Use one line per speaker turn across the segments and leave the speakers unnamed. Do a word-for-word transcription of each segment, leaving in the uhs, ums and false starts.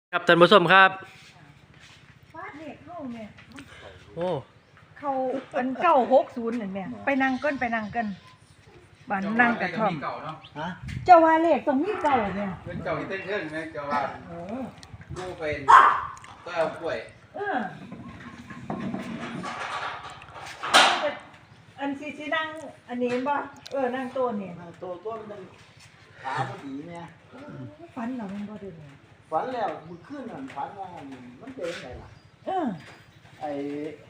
ครับท่านผู้ชมครับ
ฟาดเลขเข้าแม่
โอ้
เขาอันเก้าหกศูนย์นั่นแม่ไปนั่งเกินไปนั่งเกินบ้านนั่งกระท่อม
เก่าเนาะ
ฮะ
เจ้าว่าเลขตรงนี้เก่าแม่
เป็นเก่าที่เต้นเครื่องไหมเก่าว่าดูเป็นก็เอากล้วย
เอออันซีซีนั่งอันนี้บ่เออนั่งโต๊ะนี่
ตัวต้นมันขาพอดีเนี่ย
ฟันเรามันบ่เด้อ
ฝันแล้วมือขึ้นนั่นฝันว่ามันเป็นไงล่ะ
เออ
ไอ้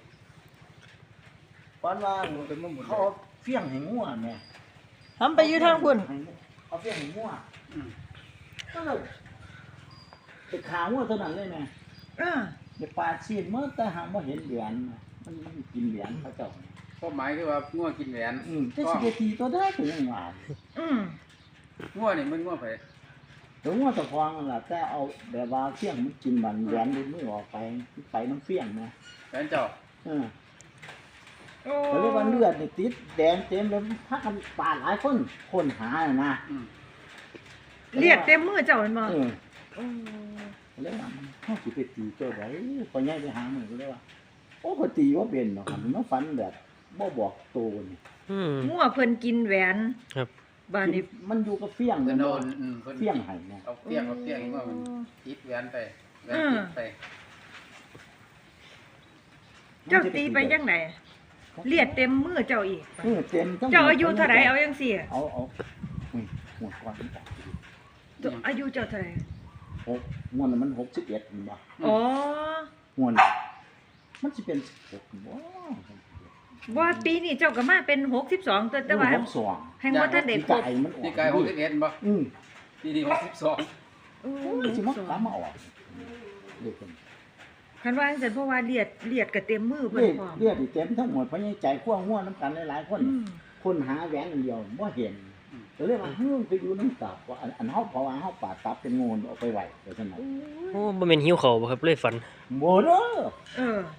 ฝันว่าเขาเอาเฟี้ยงให้งัวแม่
ทำไปอยู่ทางพุ่น
เอาเฟี้ยงให้งัวก็เลยไปขางัวเท่านั้นเลยแม่
เออ
ไปปาดชีดเมื่อแต่หางว่าเห็นเหรียญมันมันกินเหรียญพระเจ้า
ก็หมายคือว่าง่วกินแหวน
อืมจะสิบทีตัวได้ถึงยังหวาน
อืม
ง่วนี่มันง่วไป
เดี๋ยวงัวตะฟองนั่นล่ะแต่เอาแบบว่าเฟี้ยงมันกินบันเหรียญดูมือออกไปไปน้ำเฟี้ยงนะ
แหวนเจ้า
เออ
โอ้
เขาเรียกว่าเลือดนี่ติดแดงเต็มเลยพักกันปาดหลายคนคนหาน่ะนะ
เลียดเต็มมือเจ้าแม่นบ่
เออ
โอ้
เขาเรียกว่ามันเฮาสิไปตีเจ้าไดพอใหญ่ไปหามือก็เลยว่าโอ้ก็ตีบ่เป็นดอกครับมันฝันแบบบ่บอกโตนี่
อืม
งัวเพิ่นกินแหวน
ครับ
บ้านนี้
มันอยู่กับเฟี้ยง
จะ
มัน
โด
โด
น
นเฟี้ยงให้นะ
เอาเฟี้ยงเอาเฟี้ยงว่ามันติดแหวนไปแหวนติดไป
เจ้าตีไปจังไดเลียดเต็มมือเจ้าอีก
เออเต็มทั้ง
เจ้าอายุเท่าไหร่เอาจังซี่
เอาเอาอุ้ยหัวก่อนจ้ะ
เจ้าอายุเจ้าเท่าไหร่
หกงวดนั้นมันหกสิบเอ็ดมันบ่
อ๋อ
งวดมันสิเป็นสิบหกบ่
ว่าปีนี้เจ้าก็มาเป็นหกสิบสองแต่แต่ว่า
หกสอง
แห่งบ่ทันได้
ที่
ครบ
ไก่มันออก
นี่กายหกสิบเอ็ดบ่
อืม
ปีนี้หกสิบสอง
โอ้
สิมาตามมาออกเด็กคน
คันว่าจังซั่นเพราะว่าเลียดเลียดก็เต็มมือเพิ่น
เรียก
พร้อม
เรียกอีเต็มทั้งหมดเพราะยังใจขั้วง่วน้ำกันหลายๆคน
อืม
คนหาแหวนอันเดียวบ่เห็นก็เลยว่าเฮ้ยไปอยู่น้ำตับว่าอันอันเฮาเพราะว่าเฮาปาดตับเป็นงูออกไปไหวไปซั่นน่ะ
โอ้บ่แม่นหิวข้าวบ่ครับเลยฝัน
บ่เด้อ
เออ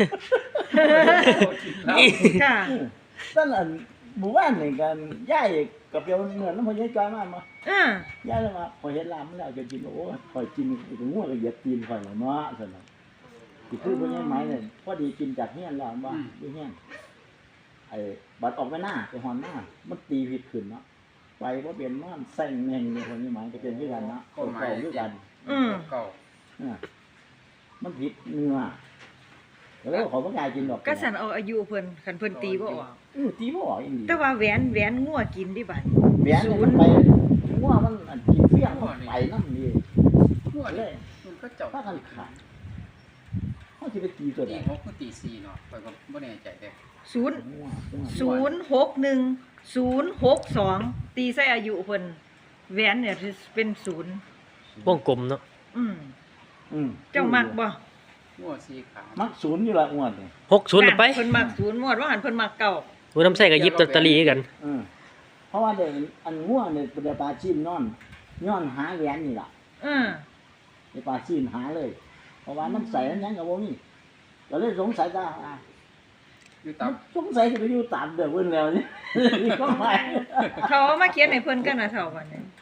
ค่ะ
ตั้งอันหมู่บ้านนี่กันยายกับเปียวเหมือนน้ำพอยายจอยมามา
อ่าย
ายเลยว่าพอเห็นลามมันแล้วจะกินโอ้ยข่อยกินถึงงัวก็เหยียบตีนข่อยแล้วเนาะซั่นน่ะสิคือบ่ยายไหมเนี่ยพอดีกินจากเฮียนแล้วว่าอยู่เฮียนไอ้บัดออกไปหน้าไปหอนหน้ามันตีผิดขึ้นเนาะไปบ่เป็นนอนแซงแม่งนี่คนนี้หมายก็เป็นคือกันเนาะ
ก็
เก่า
หมาย
ๆคือกัน
อืม
เก่า
เออมันผิดเนื้อแล้วขอบ่กล้ากินดอก
ก็สั่นเอาอายุเพิ่นคันเพิ่นตีบ่ออก
เออตีบ่ออกอีหลี
แต่ว่าแหวนแหวนงัวกินดิบัด
แหวนเนี่ยมันไปงัวมันอันกินเฟี้ยงมันไปนำนี่
ง่ว
เล
นี่
ย
มันก็เจ้า
ถ้ากันขาดเฮาสิไปตีตัวใด
ตีหกก็ตีสี่เนาะไปก็บ่แน่ใจเด้
ศูนย์
งัวงัว
ศูนย์หกหนึ่งศูนย์หกสองตีใส่อายุเพิ่นแหวนเนี่ยเป็นศูนย์
วงกลมเนาะ
อืม
อืม
เจ้ามักบ่
ง่วสี่ขา
มักศูนย์อยู่ละอ้วนนี่
หกศูนย์ไป
เพิ่นมักศูนย์หมดว่าหันเพิ่นมักเก่า
หูน้ำใส่ก็หยิบลอตเตอรี่คือกัน
เออเพราะว่าเด็กอันงัวเนี่ยเป็นปลาชีนนอนย้อนหาแหวนนี่ล่ะ
อืม
ไปปลาชีนหาเลย เพราะว่าน้ำใสอันนั้นก็บ่มีก็เลยสงสัยว่าอ่า
อยู่ตับ
สงสัยจะไปอยู่ตามเด้อเพิ่นแล้วนี่ นี่ก็ไม่
เขาเอามาเขียนให้เพิ่นกันนะเท่ากันเนี่ย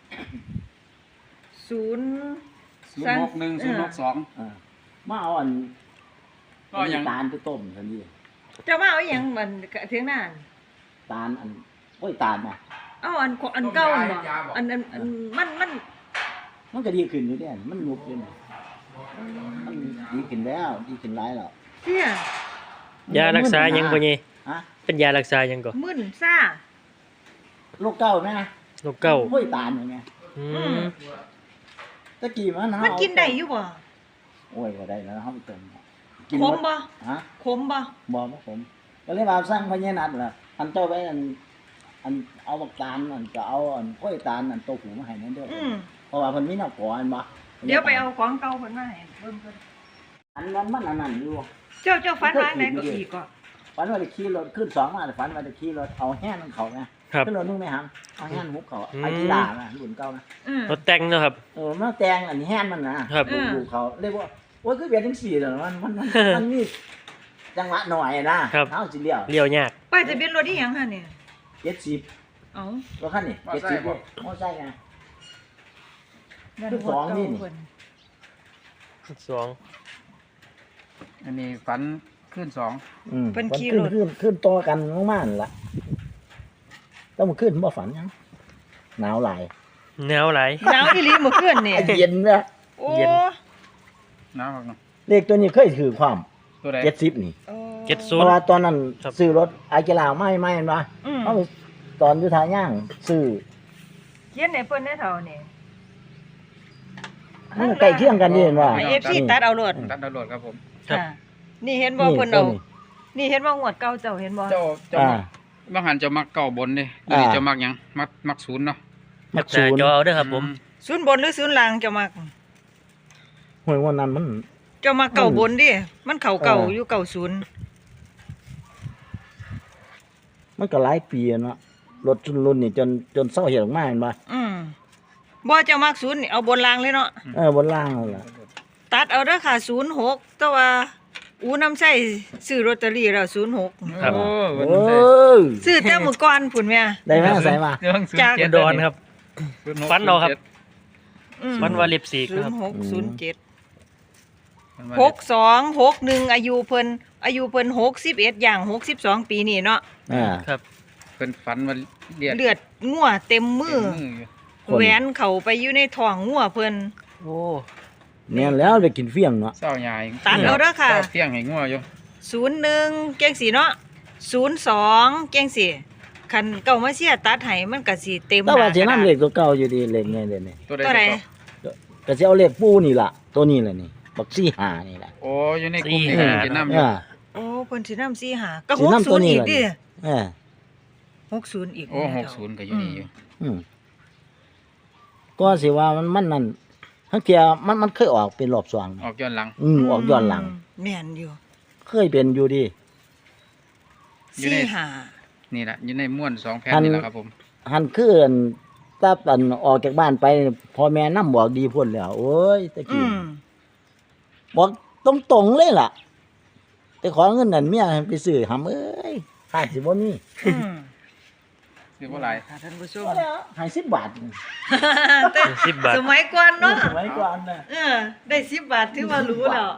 ศูนย์
ศูนย์หกหนึ่งศูนย์หกสอง
อ่ามาเอาอัน
ก็ยัง
ตาลไปต้มซั่นนี่
เจ้ามาเอาอีหยังมันเถียงหน้า
ตาลอันโอ้ยตาลน่ะ
เอาอันอันเก่าอันบ่อันอันอันมันมัน
มันก็ดีขึ้นอยู่เด้มันยุบอยู่นี่มันดีขึ้นแล้วดีขึ้นหลายแล้ว
เสีย
ยารักษาหยังบ่นี่
ฮะ
เป็นยารักษาหยังก่อ
มึนซ่า
โรคเก้าแม่นะ
โรคเก้า
โอ้ยตาลอย่างเงี้ย
อื
อื
ม
ม
ตะกี้มัน
มันกินได้อยู่บ่
โอ้ยบ่ได้แล้วเฮาไปเติม
ขมบ่
ฮะ
ขมบ่
บ่บ่ผมก็เลยว่าสร้างพญานาคล่ะอันเจ้าไว้อันอันเอาบักตาลอันก็เอาอันกล้วยตาลอันโตหูมาให้นั่นเด้อ
อืม
เพราะว่าเพิ่นมีน้ำก่ออันบ่
เดี๋ยวไปเอาของเก่าเพิ่นมาให้เบิ่งเพิ่น
อันนั้นมันอันนั้นอยู่
เจ้าเจ้าฟันวางไหนก็อีกก็
ฝันว่าได้ขี่รถขึ้นสองมาแต่ฝันว่าได้ขี่รถเอาแห้งเขาไง
ครับ
ขึ้นรถนึงไหมครับเอาแห้งหุบเขา
อืม
ไอ้กีฬาน่ะรุ่นเก่านะ
อืม
รถแต่งเนาะครับ
เออมันแตงอันนี้แห้งมันนะครับ
อืม
ดูเขาเรียกว่าโอ้ยคือเบียดจังสี่เหรอมันมันมันมันมีจังหวะหน่อยนะครับ เฮาสิเลี้ยว
เลี้ยวยาก
ป้ายทะเบียนรถอีหยังหั่นเนี่ย
เจ็ดสิบ
เอ้าร
ถคันนี้เจ็ดสิบมอไซค์ไง
นั่น
คือ
หัว
สองนี่
เก่า
นี่
เพิ่น
สอง
อันนี้ฝันขึ้นสอง
อืม
เพิ่น
ฝั
ขี่
ขึ้น
รถ
ขึ้นขึ้นต่อกันมากๆนั่นล่ะต้องมาขึ้นบ่ฝันหยังหนาวหลาย
แนวหลาย
หนาวอีหลีเมื่อคืนนี่
เย็นนะ
โอ้
เย็น
น้ำครับเนาะ
เลขตัวนี้เคยถือความ
ตัวใด
เจ็ดสิบนี่
โอ้
เจ็ด
เพ
ศูนย์
ราะว่าตอนนั้น
ครับ
ซื้อรถไอเจลาไม่ไม่เห็นปะ
อืม
เอาไปตอนอยู่ทางย่างซื้อ
เขียนให้เพิ่นได้เท่านี่
มันใกล้เคียงกันนี่เห็นว่า
ให้ เอฟ ซี ตัดเอาโลด
ตัดดาวน์โหลดครับผม
ครับ
ค่ะนี่เห็นบ่
นี่
เพิ่น
ตั
เอา
วนี้
นี่เห็นบ่งวดเก่าเจ้าเห็นบ่
เจ้าเจ้า
อ่า
บางหันเจะมักเก่าบนดิ
อ่า
นี่เจะมักหยังมักมักศูนย์เนาะ
มัก
หน้า
ศูนย์
จอเอาเด้อครับผม
ศูนย์บนหรือศูนย์ล่างเจ้ามัก
หวยวันนั้นมัน
เจ้ามักเก่าบนดิ มันเข้าเก่า
เออ
อ
อ
ยู่เก่าศูนย์
มันก็หลายปีแล้วเนาะรถรุ่นรุ่นนี่จนจนเศร้าเหี่ยวออกมาเห็นปะ
อืมบ่เจ้ามักศูนย์นี่เอาบนล่างเลยเนาะ
เออบนล่างนั่นล่ะ
ตัดเอาเด้อค่ะศูนย์หกแต่ว่าอูน้ำใช้ซื้อลอตเตอรี่แล้วศูนย์หก
ครับ
โอ้
เอ
วันนั้นได้
อ
ซื้อแต่มื้อก่อนพุ่นแม่
ได้ไหมใส่มา
เรื่องศูนย์
จาก
เจ็
อุดรครับ
ศูย์หก
ฝันเอาครับ
อืม
วันวาเล็บสี
ศู
คน รับ
ย์หกศูนย์เจ็ด
ศูนย์เจ็ด
หกสองหกหนึ่งอายุเพิ่นอายุเพิ่นหกสิบเอ็ดอย่างหกสิบสองปีนี่เนาะ
อ่า
ครับ
เพิ่นฝันว่าเลียด
เลือดงัวเต็มมือ
เต็มอยู่
คน
แหวนเข้าไปอยู่ในท้องงัวเพิ่น
โอ้
เนี่ยแล้วไปกินเฟี้ยงเนาะ
เศร้าใหญ่
ตัดเอาเด้อค่ะ
เศร้าเที่ยงให้งัวอยู่
ศูนย์หนึ่งเก่งสีเนาะศูนย์สองเก่งสีคันเก่ามาเสียตัดให้มันก็สิเต็ม
แต่ว่าสิ
กระด
นำ
ษ
เลขตัวเก่าอยู่ดีเลขไงเด้นี่
ตัวใด
ตัวใด
ตัว
ก็สิเอาเลขปูนี่ล่ะ ตัวนี้แหละนี่บักซี่หานี่แหละ
โอ้อยู่ในกลุ่มนี้
สี่
ก็
ห้า
จะนำอยู่
อ่า
โอ้เพิ่นสินำสี่หาก็
สิ
หก
นำ
ศู
ตัวน
ย์
นี้
อีก
ล่ะ
ดิ
เออ
หกศูนย์อีก
โอ้
แม่
ห
เฒ่าก
ศูนย์ก็อยู่นี่อยู่
อืมก็สิว่ามันมันนั่นทั้งเที่ยมันมันเคยออกเป็นรอบสอง
ออกย้อนหลัง
อืมออกย้อนหลัง
แม่นอยู่
เคยเป็นอยู่ดิ
อยู่ใน
สี่หา
นี่แหละอยู่ในม้วนสองแผ่น
อัน
นี่แหละครับผม
หันคืออันถ้าอันออกจากบ้านไปพ่อแม่นำบอกดีพุ่นแล้วโอ้ยตะ
อื
กี้
ม
บอกตรงๆเลยล่ะไปขอเงินนั่นเมียให้ไปซื้อหำเอ้ยขาดสิบ่มี
อืม
คือบ่หลาย
ค่ะท่านผู้ชม
ก็แล้วให้สิบบาท
แต่
สิบบาท
สมัยก่อนเนาะ
สมัยก่อนน่ะ
เออได้สิบบาทถือว่ารู้แล้ว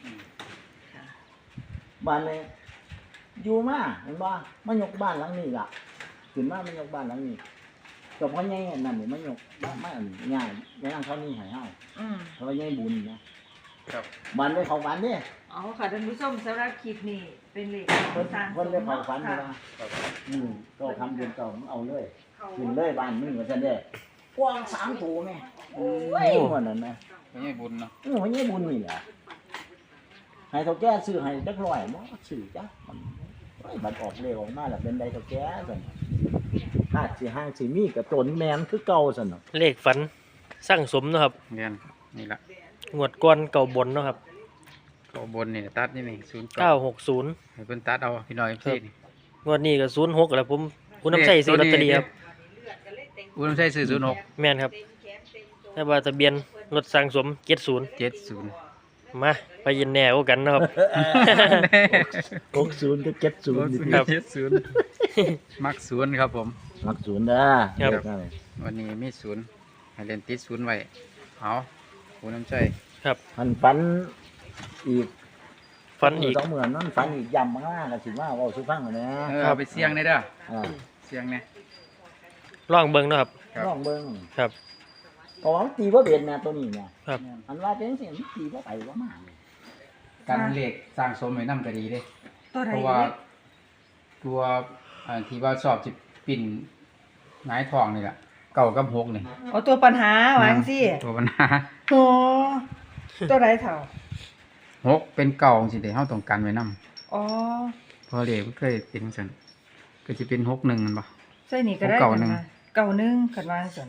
บ้านนี้อยู่มาเห็นบ่มายกบ้านหลังนี้ล่ะขึ้นมามายกบ้านหลังนี้ก็พ่อใหญ่อันนั่นนี่มายกมามาอันง่ายแม่นางเขานี่ให้เฮา
อืม
เพราะว่าใหญ่บุญนะครับ บ้านไว้เขาฝันเด้
เอาค่ะท่านผู้ชมสำหรับคลิปนี้เป็นเลข
เพิ่น
สร้าง
เพิ่นได้เขาฝัน
ค่ะ
ว่าอืมก็ทำเดือนเก่ามึงเอาเลยขึ้นเลยบ้านมึงว่าซั่นเด้กว้างสามตัวแม่โอ้ยว่านั่นนะ
ไม่ใช่บุญเนาะ
เออพ่อใหญ่บุญนี่แหละให้เฒ่าแก่ซื้อให้จักร้อยบ่ซื้อจ้ะมันโอ้ยบัดออกเลขออกมาแล้วเป็นใดเฒ่าแก่ซั่นถ้าสิห้างสิมีก็ตนแม่นคือเก่าซั่นเนาะ
เลขฝันสร้างสมเนาะครับ
เรียนนี่แหละ
งวดก้อนเก่าบนเนาะครับ
เก่าบนนี่ตัดนี่นี่ศูนย์
เก้าหกศูนย์
ให้เพิ่นตัดเอาพี่น้อยเอฟซีนี่
งวดนี้ก็ศูนย์หกแล้วผมคุณน้ำใส่ซื้อลอตเตอรี่ครับ
อุ้ยใช่ซื้อศูนย์หก
แม่นครับแต่ว่าทะเบียนรถสร้างสมเจ็ดศูนย์
เจ็ดศูนย์
มาไปยินแน่กว่ากันเนาะครับ
หกศูนย์กับเจ็ดศูนย์นี่
ครับ
เจ็ดศูนย์มักศูนย์ครับผม
มักศูนย์เด้อ
ครับ
ครับ
วันนี้มีศูนย์ให้เล่นติดศูนย์ไว้เอาผู้น้ำใจ
ครับ
มันฝันอีก
ฝันอีก
สองหมื่นนั่นฝันอีกยำมากก็สิว่าเว้าสิฟังอะนะ
เออเอาไปเสี่ยงได้เด้อ
อ่า
เสี่ยงเนี่ย
ลองเบิ่งเนาะครับ
ครับ
ลองเบิ่ง
ครับ
เพราะว่ามันตีบ่เป็นนะตัวนี้เนี่ย
ครับ
อันว่าเป็นจังซี่มันตีบ่ไปบ่มาเลย
การเลขสร้างสมไว้นำก็ดีเด้
ตัวใด
เพราะว่าตัวอ่าที่ว่าสอบสิปิ่นหงายทองนี่แหละเก่ากับหกนี่
เอาตัวปัญหาว่าจังซี่
ตัวปัญหา
โอ้ตัวใดเท่า
หกเป็นเก่าสิเด้เฮาต้องการไว้นำ
อ๋อ
เพอเลขมันเคยเป็นจังซั่นก็สิเป็นหกหนึ่งแม่นบ่
ใส่นี่ก็ได้
เก่าหนึ่ง
ค่ะเก่าหนึ่งคันว่าจังซั่น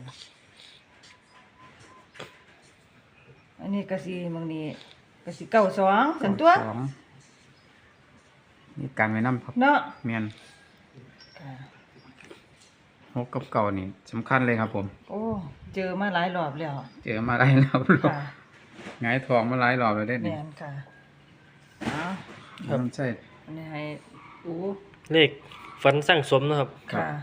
อันนี้ก็สิบางนี้ก็สิเก่าสองซั่นตัว
สองนี่การไว้นำครับ
เนาะ
แม่น
ค่ะ
หกกับเก่านี่สำคัญเลยครับผม
โอ้เจอมาหลายรอบแล้ว
เจอมาหลายรอบแล้ว
ค่ะ
หงายทองมาหลายรอบแล้วได้
แม่
นี่
นค่ะเอา
ครับใช่
อันนี้ให้อู้
เลขฝันสร้างสมเนาะครับ
ครับ
ค่ะ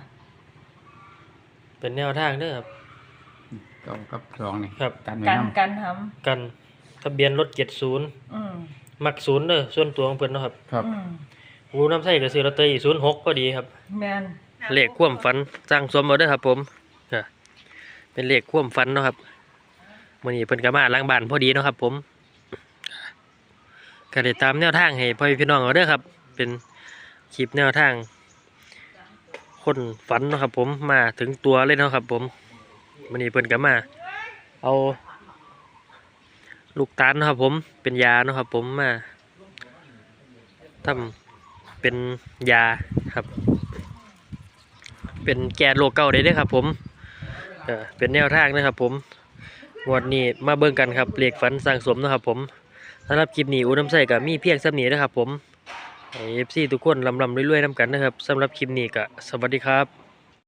เป็นแนวทางเด้อครับ
เก่ากับสองนี่
ครับ
การไว้
กัน
นำ
กันท
กันทะเบียนรถเจ็ดศูนย์
อืม
มักศูนย์เด้อส่วนตัวของเพิ่นเนาะครับ
ครับ
อืม
งูน้ำไส้ก็ซื้อลอตเตอรี่ศูนย์หกพอดีครับ
แม่น
เลขความฝันสร้างสมเอาเด้อครับผมอ่ะเป็นเลขความฝันเนาะครับมื้อนี้เพิ่นก็มาล้างบ้านพอดีเนาะครับผมก็ได้ตามแนวทางให้พ่อพี่น้องเอาเด้อครับ เป็นคลิปแนวทาง คนฝันเนาะครับผมมาถึงตัวเลยเนาะครับผมมื้อนี้เพิ่นก็มาเอาลูกตาลเนาะครับผมเป็นยาเนาะครับผมมาทำเป็นยาครับ เป็นแก้โรคเก่าได้เด้อครับผมเออเป็นแนวทางนะครับผมงวดนี้มาเบิ่งกันครับเลขฝันสร้างสมนะครับผมสำหรับคลิปนี้อูน้ำใส่ก็มีเพียงส่ำนี้นะครับผมให้ เอฟ ซี ทุกคนลำๆรวยๆนำกันนะครับสำหรับคลิปนี้ก็สวัสดีครับ